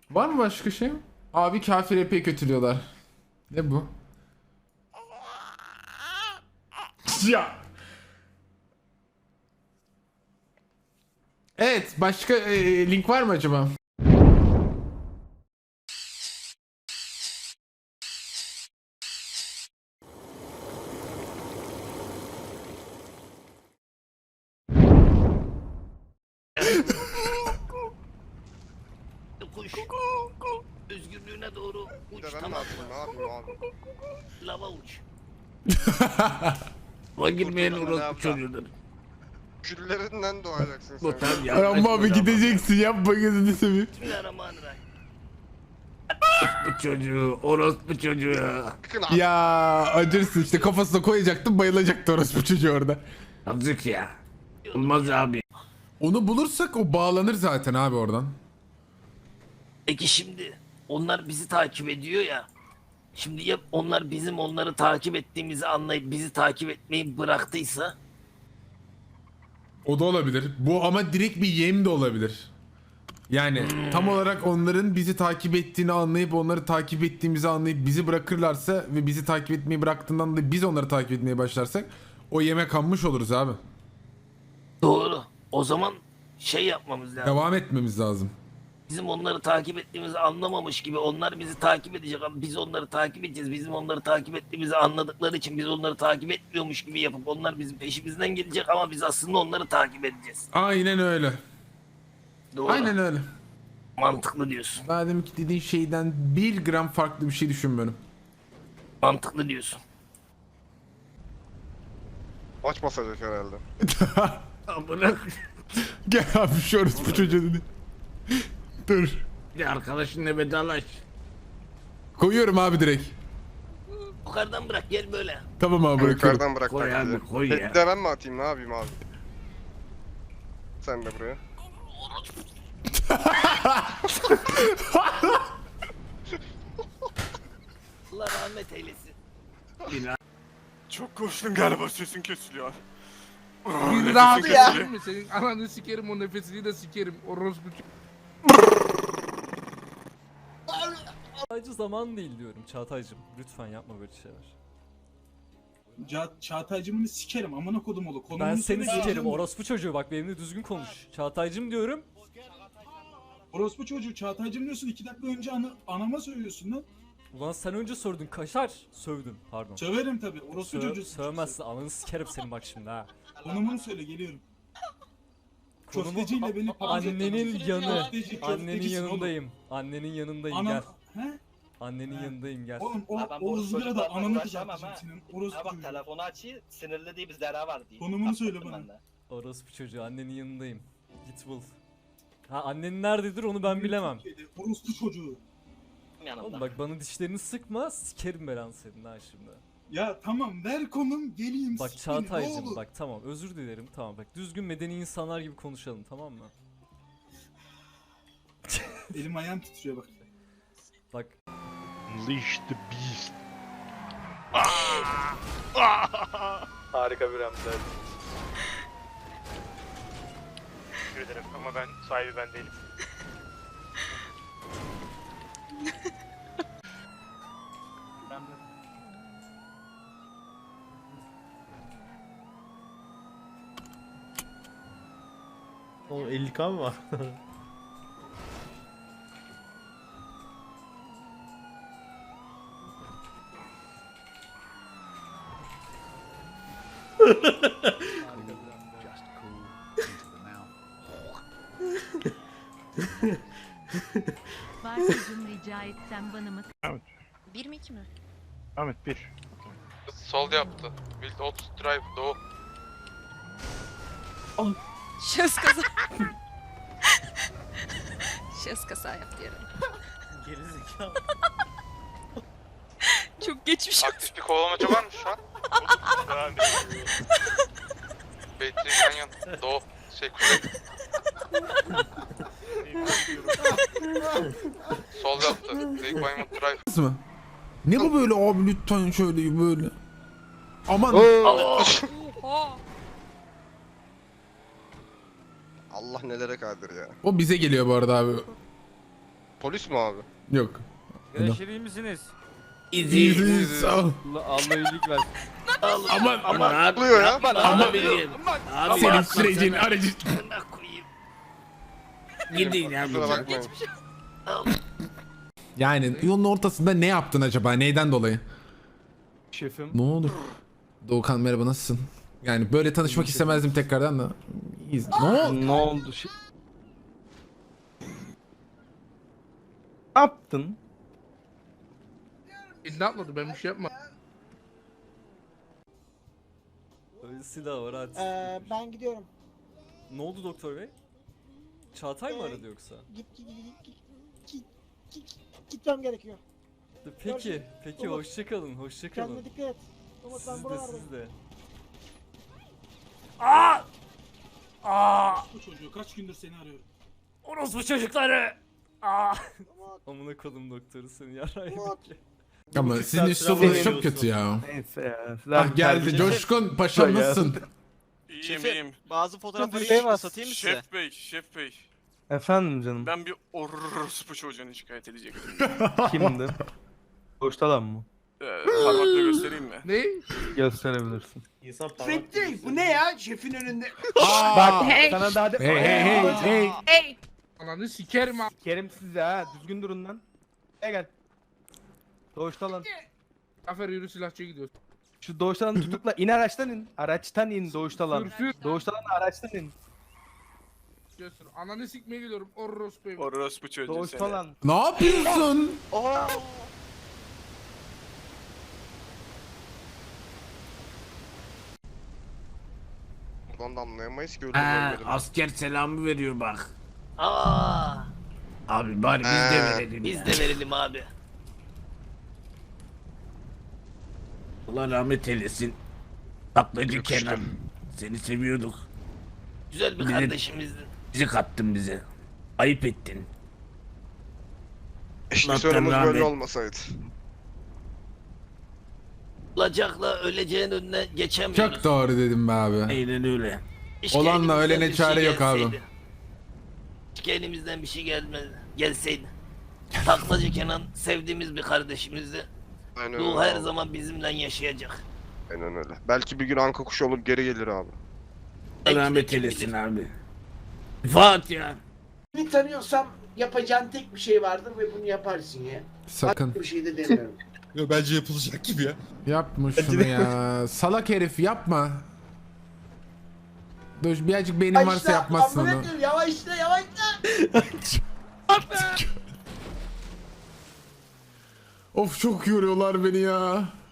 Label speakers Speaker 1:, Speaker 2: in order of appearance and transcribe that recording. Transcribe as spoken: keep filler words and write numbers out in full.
Speaker 1: Var mı başka şey? Abi kafir epey kötülüyorlar. Ne bu? Ya. Evet, başka e, link var mı acaba?
Speaker 2: Kuş. Özgürlüğüne doğru
Speaker 3: Bir
Speaker 2: uç,
Speaker 3: de ben ne
Speaker 2: tamam
Speaker 3: yapayım, ne
Speaker 2: mı?
Speaker 3: yapayım abi?
Speaker 2: Lava uç.
Speaker 4: O girmeyen
Speaker 3: Kurtuldum
Speaker 4: orospu
Speaker 3: ben
Speaker 4: çocuğudur.
Speaker 3: Küllerinden doğacaksın
Speaker 4: Bu
Speaker 3: sen.
Speaker 4: tam
Speaker 1: Ay
Speaker 4: yanlış
Speaker 1: ama abi
Speaker 4: bir laf.
Speaker 1: gideceksin, yapma gözünü seveyim.
Speaker 2: Bismillahirrahmanirrahim.
Speaker 4: Bu çocuğu, orospu çocuğu.
Speaker 3: Bakın abi.
Speaker 1: Ya acırsın işte, kafasına koyacaktım, bayılacaktı orospu çocuğu orada.
Speaker 4: Yazık ya. Olmaz abi.
Speaker 1: Onu bulursak o bağlanır zaten abi oradan.
Speaker 2: Peki şimdi onlar bizi takip ediyor ya. Şimdi ya onlar bizim onları takip ettiğimizi anlayıp bizi takip etmeyi bıraktıysa?
Speaker 1: O da olabilir. Bu ama direkt bir yem de olabilir. Yani tam olarak onların bizi takip ettiğini anlayıp onları takip ettiğimizi anlayıp bizi bırakırlarsa ve bizi takip etmeyi bıraktığından da biz onları takip etmeye başlarsak o yeme kanmış oluruz abi.
Speaker 2: Doğru. O zaman şey yapmamız lazım.
Speaker 1: Devam etmemiz lazım.
Speaker 2: Bizim onları takip ettiğimizi anlamamış gibi onlar bizi takip edecek ama biz onları takip edeceğiz. Bizim onları takip ettiğimizi anladıkları için biz onları takip etmiyormuş gibi yapıp onlar bizim peşimizden gelecek ama biz aslında onları takip edeceğiz.
Speaker 1: Aynen öyle.
Speaker 2: Doğru.
Speaker 1: Aynen öyle.
Speaker 2: Mantıklı diyorsun.
Speaker 1: Daha deminki dediğin şeyden bir gram farklı bir şey düşünmüyorum.
Speaker 2: Mantıklı diyorsun.
Speaker 3: Maç basacak herhalde.
Speaker 4: Amına.
Speaker 1: Gel abi şu orospu çocuğu dedi. Dur.
Speaker 4: Bir arkadaşınla vedalaş.
Speaker 1: Koyuyorum abi direkt.
Speaker 2: Yukarıdan bırak gel böyle.
Speaker 1: Tamam abi, bırakıyorum.
Speaker 3: Yukarıdan bırak
Speaker 4: Koy
Speaker 3: taklidi.
Speaker 4: abi, koy ya.
Speaker 3: Bir de ben mi atayım, ne yapayım abi? Sen de buraya.
Speaker 2: Allah rahmet eylesin.
Speaker 5: Çok koştun galiba, sesin kesiliyor.
Speaker 6: Bir
Speaker 5: Nefesin
Speaker 6: rahat ya.
Speaker 5: kesiliyor.
Speaker 6: Senin ananı sikerim, o nefesini de sikerim. Orospu.
Speaker 7: Sadece zaman değil diyorum Çağatay'cım. Lütfen yapma böyle şeyler.
Speaker 8: Ça Çağatay'cımını sikerim amına kodum oğlu. Konumunu
Speaker 7: Ben seni
Speaker 8: söyle,
Speaker 7: sikerim
Speaker 8: geleceğim.
Speaker 7: orospu çocuğu, bak benimle düzgün konuş. Çağatay'cım diyorum.
Speaker 8: Orospu çocuğu Çağatay'cım diyorsun, iki dakika önce ana anama söylüyorsun lan.
Speaker 7: Ulan sen önce sordun, kaşar. Sövdün, pardon.
Speaker 8: Söverim tabi. Orospu
Speaker 7: Sö
Speaker 8: çocuğu.
Speaker 7: sövmezsin, ananı sikerim senin bak şimdi ha.
Speaker 8: Konumunu söyle, geliyorum.
Speaker 7: Konumu
Speaker 8: Köfteciyle beni papaz
Speaker 7: annenin
Speaker 8: ettin.
Speaker 7: yanı.
Speaker 8: Köfteci,
Speaker 7: Annenin
Speaker 8: köftecisin oğlum.
Speaker 7: yanındayım. Annenin yanındayım,
Speaker 8: Ana...
Speaker 7: gel.
Speaker 8: He?
Speaker 7: Annenin
Speaker 8: He.
Speaker 7: yanındayım, gel.
Speaker 8: Oğlum o,
Speaker 9: Ha, ben
Speaker 8: o
Speaker 9: bu
Speaker 8: ızgara da
Speaker 9: çocuklarla
Speaker 8: ananı
Speaker 9: uğraşamam
Speaker 8: kızartacağım
Speaker 9: ha.
Speaker 8: senin. Orospu
Speaker 9: Ha bak,
Speaker 8: çocuğu.
Speaker 9: telefonu açı, sinirli bizlere var diye.
Speaker 8: Konumunu söyle
Speaker 9: Anlattım
Speaker 8: bana.
Speaker 9: ben de.
Speaker 7: Orospu çocuğu, annenin yanındayım. Git bul. Ha, annen nerededir onu ben bilemem.
Speaker 8: Orospu çocuğu.
Speaker 9: Yanımda.
Speaker 7: Oğlum bak, bana dişlerini sıkma, sikerim belanı senin ha şimdi.
Speaker 8: Ya tamam, ver konum geleyim.
Speaker 7: Bak
Speaker 8: sik beni, ne
Speaker 7: Çağatay'cım
Speaker 8: olur.
Speaker 7: bak, tamam özür dilerim, tamam bak düzgün medeni insanlar gibi konuşalım, tamam mı?
Speaker 8: Elim ayağım titriyor bak.
Speaker 7: Bak
Speaker 5: Unleash the beast.
Speaker 9: Harika bir Ramsey.
Speaker 5: Teşekkür ederim ama ben sahibi ben değilim.
Speaker 10: O elli K mı var?
Speaker 11: Bartucuğum rica etsem bana mı?
Speaker 12: Bir mi iki mi?
Speaker 5: Ahmet bir.
Speaker 3: Sol yaptı. Wild Oats Drive Doğu.
Speaker 12: Şahıs kaza. Şahıs kaza yaptı yarın.
Speaker 10: Gerizekalı.
Speaker 12: Çok geçmiş olsun.
Speaker 3: Aktif bir kovalamaca var mı şu an?
Speaker 5: Yani
Speaker 3: Battery Canyon Doğu. Şey kuzey. Sol yaptı. Lake Wyoming Drive.
Speaker 1: Nasıl mı? Ne bu böyle abi, lütfen şöyle böyle. Aman.
Speaker 12: Oha.
Speaker 3: Allah nelere kadir ya.
Speaker 1: O bize geliyor bu arada abi.
Speaker 3: Polis mi abi?
Speaker 1: Yok.
Speaker 7: Arkadaşlar iyi misiniz?
Speaker 4: İzi.
Speaker 1: İyi, sağ ol.
Speaker 7: Allah, Allah iyilik versin.
Speaker 1: Aman
Speaker 4: Ama ne
Speaker 3: Oluyor ya.
Speaker 4: yapma
Speaker 1: Ama-
Speaker 4: abicim. Abi
Speaker 1: senin
Speaker 4: yapma
Speaker 1: sürecin
Speaker 4: sana.
Speaker 1: aracı.
Speaker 2: Amına koyayım.
Speaker 4: Gidin ya.
Speaker 3: Kusura
Speaker 4: buradan.
Speaker 3: bakmayın.
Speaker 1: Yani yolun ortasında ne yaptın acaba? Neyden dolayı?
Speaker 10: Şefim.
Speaker 1: Ne olur? Doğukan merhaba, nasılsın? Yani böyle tanışmak istemezdim tekrardan da. İyiyiz. Ne oldu?
Speaker 10: Ne oldu? Şey... Ne yaptın?
Speaker 6: Ne atladı ben bir şey yapma.
Speaker 7: Öyle silah var hadi.
Speaker 9: Ee, ben gidiyorum.
Speaker 7: Ne oldu doktor bey? Çağatay mı aradı yoksa?
Speaker 9: Git git git git git git gitmem gerekiyor.
Speaker 7: Peki, peki hoşçakalın, hoşçakalın.
Speaker 9: dikkat et. Umut
Speaker 7: Siz de siz de.
Speaker 8: Bu çocuğu kaç gündür seni arıyorum.
Speaker 7: Orospu çocukları! Aa! Amına kodum doktoru seni yarayım ki.
Speaker 1: Ama sizin üslubunuz çok kötü ya.
Speaker 10: Neyse ya. Siz
Speaker 1: Ah
Speaker 10: abi
Speaker 1: geldi.
Speaker 10: tercih-
Speaker 1: Coşkun paşam
Speaker 10: Ya.
Speaker 1: nasılsın?
Speaker 3: İyiyim iyiyim.
Speaker 9: Bazı
Speaker 10: fotoğrafları bir şey var.
Speaker 9: satayım mı size?
Speaker 3: Şef bey, şef bey.
Speaker 10: Efendim canım.
Speaker 3: Ben bir orospu çocuğunu şikayet edecektim.
Speaker 10: Kimdi? Boştalan mı?
Speaker 3: Ee, parmakla göstereyim mi?
Speaker 6: Ne?
Speaker 10: Gösterebilirsin.
Speaker 8: Şef değil bu ne ya şefin önünde.
Speaker 10: Bak
Speaker 12: Hey.
Speaker 10: sana daha de...
Speaker 1: Hey hey hey hey.
Speaker 12: Hey!
Speaker 6: Ananı sikerim ha.
Speaker 10: Kerim size ha. Düzgün durun lan. Gel gel. Doğuştalan.
Speaker 6: Zafer yürü silahçıya gidiyoruz.
Speaker 10: Şu doğuştalanı tutukla. İn araçtan in. Araçtan in doğuştalan.
Speaker 6: Sür sür.
Speaker 10: Doğuştalan araçtan in.
Speaker 6: Göster. Ananı sikmeye gidiyorum. Orospu evi.
Speaker 3: Orospu çocuğu seni.
Speaker 10: Doğuştalan.
Speaker 1: Ne yapıyorsun?
Speaker 3: Buradan da anlayamayız ki öyle
Speaker 4: Ha,
Speaker 3: görmedim.
Speaker 4: asker selamı veriyor bak.
Speaker 2: Aa,
Speaker 4: Abi bari biz de
Speaker 3: Ee,
Speaker 4: verelim.
Speaker 2: biz
Speaker 4: ya.
Speaker 2: de verelim abi.
Speaker 4: Allah rahmet eylesin. Taklacı
Speaker 3: Yakıştı.
Speaker 4: Kenan. Seni seviyorduk.
Speaker 2: Güzel bir
Speaker 4: Bizim-
Speaker 2: kardeşimizdin.
Speaker 4: Bizi kattın bize. Ayıp ettin.
Speaker 3: Keşke
Speaker 4: Allah'tan
Speaker 3: sorumuz böyle
Speaker 4: rahmet.
Speaker 3: olmasaydı.
Speaker 2: Olacakla öleceğin önüne geçemiyoruz.
Speaker 1: Çok doğru dedim be abi.
Speaker 4: Aynen öyle.
Speaker 2: Keşke
Speaker 1: Olanla
Speaker 2: elimizden
Speaker 1: ölene
Speaker 2: bir
Speaker 1: çare yok abi.
Speaker 2: gelseydi. Keşke elimizden bir şey gelmedi, gelseydi. Taklacı Kenan sevdiğimiz bir kardeşimizdi.
Speaker 3: Aynen
Speaker 2: Ruhu
Speaker 3: öyle
Speaker 2: her
Speaker 3: abi.
Speaker 2: zaman bizimle yaşayacak.
Speaker 3: Aynen öyle. Belki bir gün anka kuşu olup geri gelir abi.
Speaker 2: Belki de
Speaker 4: Rahmet
Speaker 2: kim
Speaker 4: eylesin
Speaker 2: bilir.
Speaker 4: abi. Fatiha.
Speaker 8: Beni tanıyorsam yapacağın tek bir şey vardır ve bunu yaparsın ya.
Speaker 1: Sakın.
Speaker 8: Bir şey de demiyorum.
Speaker 9: Yo, bence yapılacak gibi ya.
Speaker 1: Yapma şunu ya. Salak herif yapma. Dur birazcık beynin varsa yapmazsın onu.
Speaker 8: Yavaşla yavaşla.
Speaker 1: Of çok yoruyorlar beni ya.